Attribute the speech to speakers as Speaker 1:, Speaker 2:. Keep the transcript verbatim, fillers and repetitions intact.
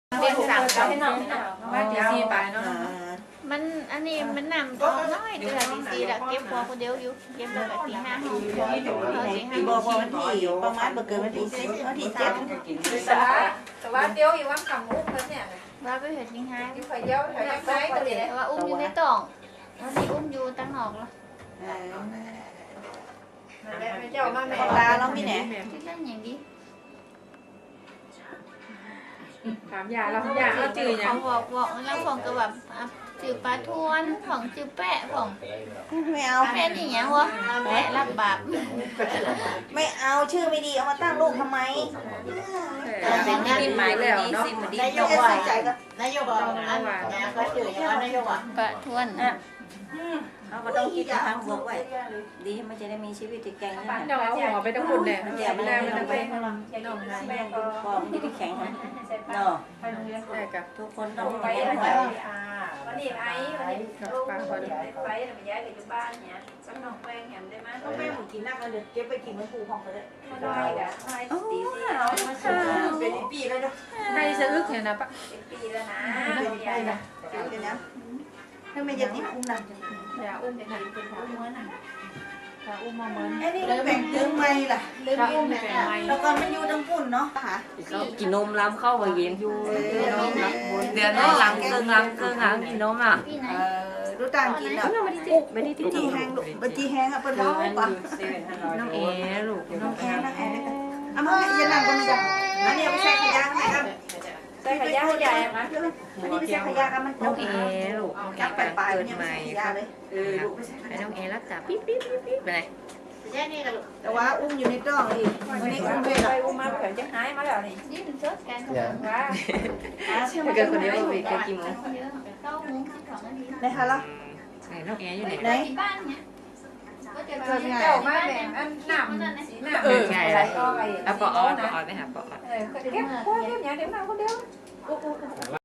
Speaker 1: เป็นสามก็ให้น้องให้น้องว่าตีซีไปเนาะ
Speaker 2: มันอันนี้มันนำก็น้อยเดือนตีซีละเก็บพอคนเดียวอยู่เก็บแบบตีห้าห้องเขาตีห้า
Speaker 3: บอกว่าวันที่ประมาณเกิดวันที่สิบวันที่เจ็ด
Speaker 1: แต่ว่าแต่ว่าเดียวอยู่ว่าคำอุ้มเขาเนี่ย
Speaker 2: ว่าไปเห็ดตีห้า
Speaker 1: ที่คอยเดียวคอยยักไม้ตัวเดียว
Speaker 2: แต่ว่าอุ้มอยู่ในต่องแล้วที่อุ้มอยู่ตั้งนอกแล้ว
Speaker 1: ไม่เจ้ามาแม่
Speaker 3: ตาเรามีไหน
Speaker 2: ที่นั่นอย่างนี้
Speaker 1: ถามยาเรายาเราจืด
Speaker 2: ข
Speaker 1: ยั
Speaker 2: อง งบอกบอกแล้วของก็แบบจืดปลาทวนของจืดแปะของ
Speaker 3: ไม่เอา
Speaker 2: แปะนี่อย่างวะแปะรับบาป
Speaker 3: ไม่เอาชื่อไม่ดีเอามาตั้งลูกทำไม
Speaker 1: เป็นที่ดินหมายแล้วเนาะ
Speaker 3: นายกว่าใจก็
Speaker 4: นายกบอกอันนี้ก็จืดอย่างว่านายกอ่ะ
Speaker 2: ปลาทวน
Speaker 3: เราก็ต้องคิดทางบวกไว้ดีมันจะได้มีชีวิตที่แข็งแรง
Speaker 1: เดี๋ยวเอาหัวไปทั้งหมดเนี่ยไม่ได้ไม่ได้ไป
Speaker 3: พอมันจะได้แข็งนะเนาะ
Speaker 1: ได้กับ
Speaker 3: ทุกคนต้อง
Speaker 4: ไป
Speaker 3: ไป
Speaker 4: แล้ว
Speaker 3: ไว้
Speaker 4: วันนี้ไอ้วันนี้ลูกไปไปไปย้ายไปอยู่บ้านเนี่ยสักน้องแป้งเห็นได้ไหม
Speaker 3: ต้องแม่หมูกินนักเลยเดี๋ยวเก็บไปกินมันปูของเขาเลย
Speaker 4: ไม่ได้กะไม่ตีสี่
Speaker 3: เป็นปีเลยเนาะ
Speaker 1: ให้สะอึกเห็นนะปะ
Speaker 4: เป็นปีแล้วนะ
Speaker 3: เป็นปีนะเป็นนะถ้าไม่จะติดคุ้มนะ
Speaker 1: อย่าอุ้มเด็กเป็นหัวม้วนอย่าอุ้มมาเหมือน
Speaker 3: ไอ้นี่แบ่งตึงไม่ล่ะ
Speaker 1: ลืมอุ้มเป็นไม้
Speaker 3: แล้วก็มันอยู่ทั้งปุ่นเนาะค่ะ
Speaker 5: กินนมล้ำเข้าไปเย็นอยู่
Speaker 3: เออ
Speaker 5: เดือนนี้หลังเกิงหลังเกิงหลังกินนมอ่ะ
Speaker 2: พี่ไหน
Speaker 3: เออรู้ต่างกินอ่ะ
Speaker 5: ไม่ได้ติด
Speaker 3: จีแห้งลูกบัจีแห้งอ่ะเป็นเบาปะ
Speaker 5: น้องเอ๋ลูกน้อง
Speaker 3: แห้งนะแห้งเอามาให้ยันหลังกันจ้ะอันนี้ไม่ใช่ขยะไหมครับ
Speaker 1: ใส่ขยะใหญ่ไหม
Speaker 3: อันนี้ไม่ใช่ขยะกันมัน
Speaker 5: น้องเอ๋ลูกน้องเอ๋
Speaker 3: จับ
Speaker 5: กำลัง
Speaker 3: ปลายๆ
Speaker 5: เกิ
Speaker 3: มัน
Speaker 5: ด
Speaker 3: ยัง
Speaker 5: ให
Speaker 3: ไม่
Speaker 5: ม่
Speaker 3: ใช่ขยะเลยเออลูกไม่ใช่ข
Speaker 5: ไอ้
Speaker 3: ยะ
Speaker 5: น้องเอ๋รับจับปิ๊บปิ๊บปิ๊บปิ๊บไปไหน
Speaker 4: แค่นี้ก็
Speaker 3: แต่ว่าอุ้มอยู่ในกล้องอีกวันนี้อุ้มด้วย
Speaker 4: ไป
Speaker 3: ล่ะ
Speaker 4: อุ้มมาเผื่อจะหายมาแล้วนี่
Speaker 2: นี่มันชดกัน
Speaker 4: ว่า
Speaker 5: ถ้าเกิดคนเดียวไปเกิดกี่โมง
Speaker 2: เก้าโมงสิบสองนาที
Speaker 3: ในฮะล่ะ
Speaker 5: ไหนน้องเอ๋อยู่ไหน
Speaker 3: ไหน
Speaker 2: ที่บ้านเนี่ยก็จะ
Speaker 3: เกิดไง
Speaker 4: เจ้ามาแบ่งอันหนำสีหนำ
Speaker 5: เออใช่
Speaker 4: อะไร
Speaker 5: แล้ว
Speaker 4: ก็ไป
Speaker 5: แล้วปอออนปอออนไปหาปอออน
Speaker 4: เออเก็บพวกเก็บอย่างเดี๋ยวมาคนเดียว